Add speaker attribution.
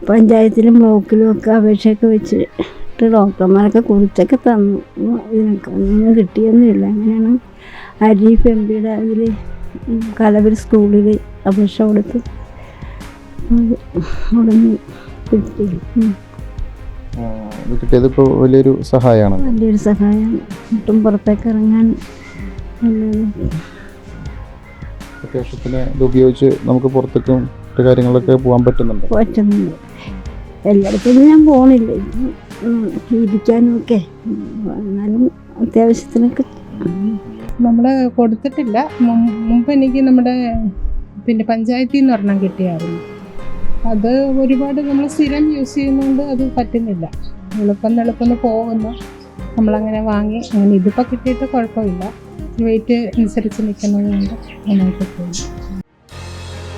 Speaker 1: പഞ്ചായത്തിലും ബ്ലോക്കിലും ഒക്കെ അപേക്ഷയൊക്കെ വെച്ചിട്ട് ഡോക്ടർമാരൊക്കെ കുറിച്ചൊക്കെ തന്നു. ഇതിനൊക്കെ ഒന്നും കിട്ടിയൊന്നുമില്ല. അങ്ങനെയാണ് അരീഫ് എംപിയുടെ അതിൽ കലവൂർ സ്കൂളിൽ അപേക്ഷ കൊടുത്ത് ഉടനെ കിട്ടി.
Speaker 2: കിട്ടിയത് ഇപ്പോൾ വലിയൊരു സഹായമാണ്.
Speaker 1: വലിയൊരു സഹായമാണ്. ഒട്ടും പുറത്തേക്ക് ഇറങ്ങാൻ
Speaker 2: അത്യാവശ്യത്തിന് ഇത് ഉപയോഗിച്ച് നമുക്ക് പുറത്തേക്കും കാര്യങ്ങളൊക്കെ പോകാൻ പറ്റുന്നുണ്ട്.
Speaker 1: എല്ലായിടത്തും ഞാൻ പോകണില്ല, ഇരിക്കാനും ഒക്കെ. എന്നാലും അത്യാവശ്യത്തിനൊക്കെ
Speaker 3: നമ്മൾ കൊടുത്തിട്ടില്ല. മുമ്പ് എനിക്ക് നമ്മുടെ പഞ്ചായത്തിൽ നിന്ന് ഒരെണ്ണം കിട്ടിയായിരുന്നു. അത് ഒരുപാട് നമ്മൾ സ്ഥിരം യൂസ് ചെയ്യുന്നതുകൊണ്ട് അത് പറ്റുന്നില്ല. എളുപ്പം പോകുന്നു, നമ്മളങ്ങനെ വാങ്ങി. അങ്ങനെ ഇതിപ്പോൾ കിട്ടിയിട്ട് കുഴപ്പമില്ല. വെയിറ്റ് അനുസരിച്ച് നിൽക്കുന്നതുകൊണ്ട് നന്നായിട്ട് പോകുന്നു.